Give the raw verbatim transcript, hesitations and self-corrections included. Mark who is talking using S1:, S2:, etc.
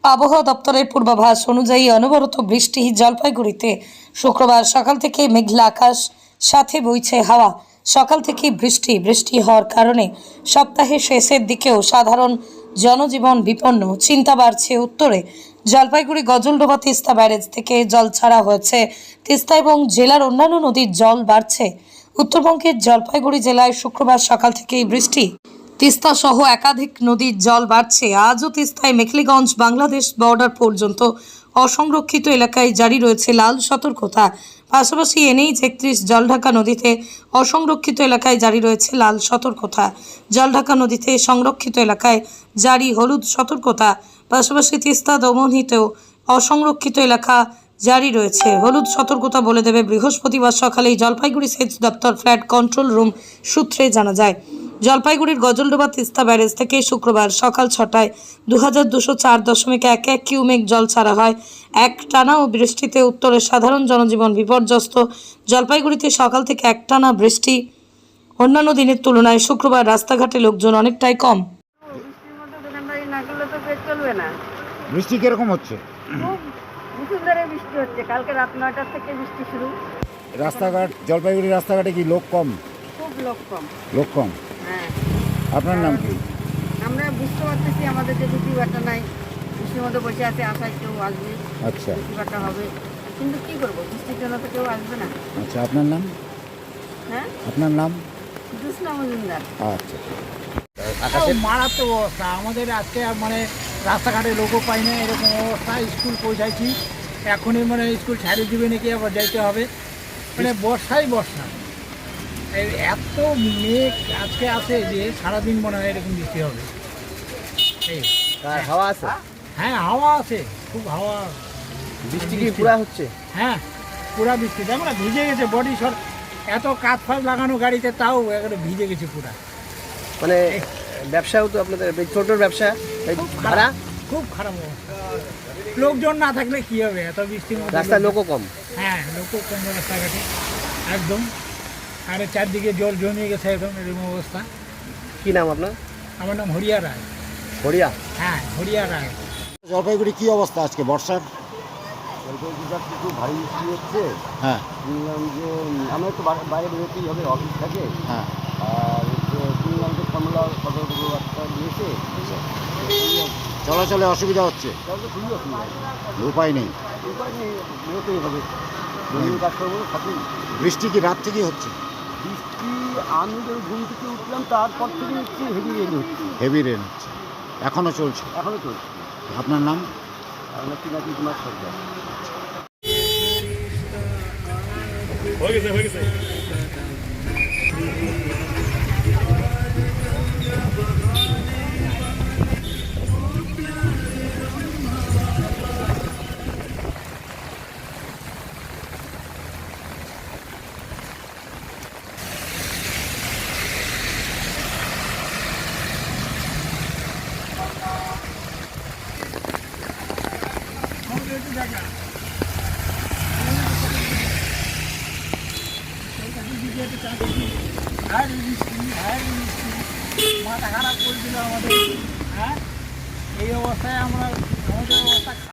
S1: আবহাওয়া দপ্তরের পূর্বাভাস অনুযায়ী অনবরত বৃষ্টি জলপাইগুড়িতে শুক্রবার সকাল থেকে মেঘলা আকাশ, সাথে বইছে হাওয়া। সকাল থেকে বৃষ্টি বৃষ্টি হওয়ার কারণে সপ্তাহের শেষের দিকেও সাধারণ জনজীবন বিপন্ন। চিন্তা বাড়ছে উত্তরে। জলপাইগুড়ি গজলডোবা তিস্তা ব্যারেজ থেকে জল ছাড়া হয়েছে। তিস্তা এবং জেলার অন্যান্য নদীর জল বাড়ছে। উত্তরবঙ্গের জলপাইগুড়ি জেলায় শুক্রবার সকাল থেকেই বৃষ্টি। তিস্তা সহ একাধিক নদীর জল বাড়ছে। আজও তিস্তায় মেখলিগঞ্জ বাংলাদেশ বর্ডার পর্যন্ত অসংরক্ষিত এলাকায় জারি রয়েছে লাল সতর্কতা। পাশাপাশি এনএইচ একত্রিশ জলঢাকা নদীতে অসংরক্ষিত এলাকায় জারি রয়েছে লাল সতর্কতা। জলঢাকা নদীতে সংরক্ষিত এলাকায় জারি হলুদ সতর্কতা। পাশাপাশি তিস্তা দমনহিতেও অসংরক্ষিত এলাকা জারি রয়েছে হলুদ সতর্কতা বলে দেবে বৃহস্পতিবার সকালেই জলপাইগুড়ি সেচ দপ্তর ফ্ল্যাট কন্ট্রোল রুম সূত্রে জানা যায়। জলপাইগুড়ির গজলডোবা তিস্তা ব্যারেজ থেকে শুক্রবার সকাল ছটায় দু হাজার দুশো চার দশমিক এক এক কিউমেক জল ছাড়া হয়। এক টানা ও বৃষ্টিতে উত্তরের সাধারণ জনজীবন বিপর্যস্ত। জলপাইগুড়িতে সকাল থেকে একটানা বৃষ্টি। অন্যান্য দিনের তুলনায় শুক্রবার রাস্তাঘাটে লোকজন অনেকটাই কম।
S2: বৃষ্টির মধ্যে দোকানদারি না করলে তো পেট চলবে না।
S3: বৃষ্টি কিরকম হচ্ছে?
S2: খুব মুষলধারে বৃষ্টি হচ্ছে। কালকে রাত নয়টার থেকে বৃষ্টি শুরু।
S3: রাস্তাঘাট জলপাইগুড়ি রাস্তাঘাটে কি লোক কম?
S2: খুব লোক কম।
S3: লোক কম।
S2: হ্যাঁ,
S3: আপনার নাম কি?
S2: আমরা বুঝতে পারতেছি আমাদের যে রুটি বাটা নাই, বৃষ্টির মধ্যে বসে আছে, আশায় কেউ আসবে,
S3: আচ্ছা
S2: রুটি বাটা হবে, কিন্তু কি করবো, বৃষ্টির জন্য তো কেউ আসবে না।
S3: আচ্ছা আপনার নাম?
S2: হ্যাঁ,
S3: আপনার নাম?
S2: জুসনা মজুমদার।
S3: আচ্ছা
S4: খুব মারাত্মক অবস্থা আমাদের আজকে। মানে রাস্তাঘাটে লোকও পাই না, এরকম অবস্থা। স্কুল পৌঁছাইছি, এখনই মানে স্কুল ছাড়িয়ে দিবে নাকি, আবার যাইতে হবে। মানে বর্ষাই বর্ষা, এই এত মেঘ আজকে আছে যে সারাদিন মনে হয় এরকম বৃষ্টি হবে। এই
S5: হাওয়া আছে?
S4: হ্যাঁ, হাওয়া আছে, খুব হাওয়া।
S5: বৃষ্টি কি পুরা হচ্ছে?
S4: হ্যাঁ, পুরা বৃষ্টি। দেখো না, ভিজে গেছে বডি সর। এত কাজ ফাজ লাগানো গাড়িতে, তাও একেবারে ভিজে গেছে পুরা।
S5: মানে ব্যবসাও তো আপনাদের ছোট ব্যবসা, এই ভাড়া
S4: খুব খারাপ অবস্থা। লোকজন না থাকলে কি হবে এত বৃষ্টির মধ্যে?
S5: রাস্তায় লোকও কম।
S4: হ্যাঁ, লোকও কম রাস্তাঘাটে একদম। আর চারদিকে জল জমিয়ে গেছে একদম, এরকম অবস্থা।
S5: কি নাম আপনার?
S4: আমার নাম হরিয়া রায়।
S5: হরিয়া?
S4: হ্যাঁ, হরিয়া রায়।
S3: জলপাইগুড়ি কি অবস্থা আজকে বর্ষার?
S6: জলপাইগুড়িটা একটু ভারী বৃষ্টি হচ্ছে।
S3: হ্যাঁ
S6: শুনলাম যে আমরা একটু বাইরে বেরোতেই হবে, অফিস থাকে।
S3: হ্যাঁ
S6: আর হচ্ছে শুনলাম যে কমলা সতর্ক বার্তা দিয়েছে।
S3: চলাচলে অসুবিধা হচ্ছে?
S6: তাহলে তো খুবই অসুবিধা আছে,
S3: উপায় নেই।
S6: উপায় নেই, বেরোতেই হবে। দৈনিক কাজ করবো সাথে।
S3: বৃষ্টি কি রাত থেকেই হচ্ছে?
S6: বৃষ্টি আমি যখন ঘুম থেকে উঠলাম তারপর থেকে হচ্ছে হেভি রেন হচ্ছে।
S3: হেভি রেন হচ্ছে, এখনো চলছে?
S6: এখনও চলছে।
S3: আপনার নাম?
S6: আপনার পিনাকি কুমার সরকার।
S4: হয়ে গেছে হয়ে গেছে মাথা খারাপ করে দিল আমাদের। হ্যাঁ, এই অবস্থায় আমরা, আমাদের অবস্থা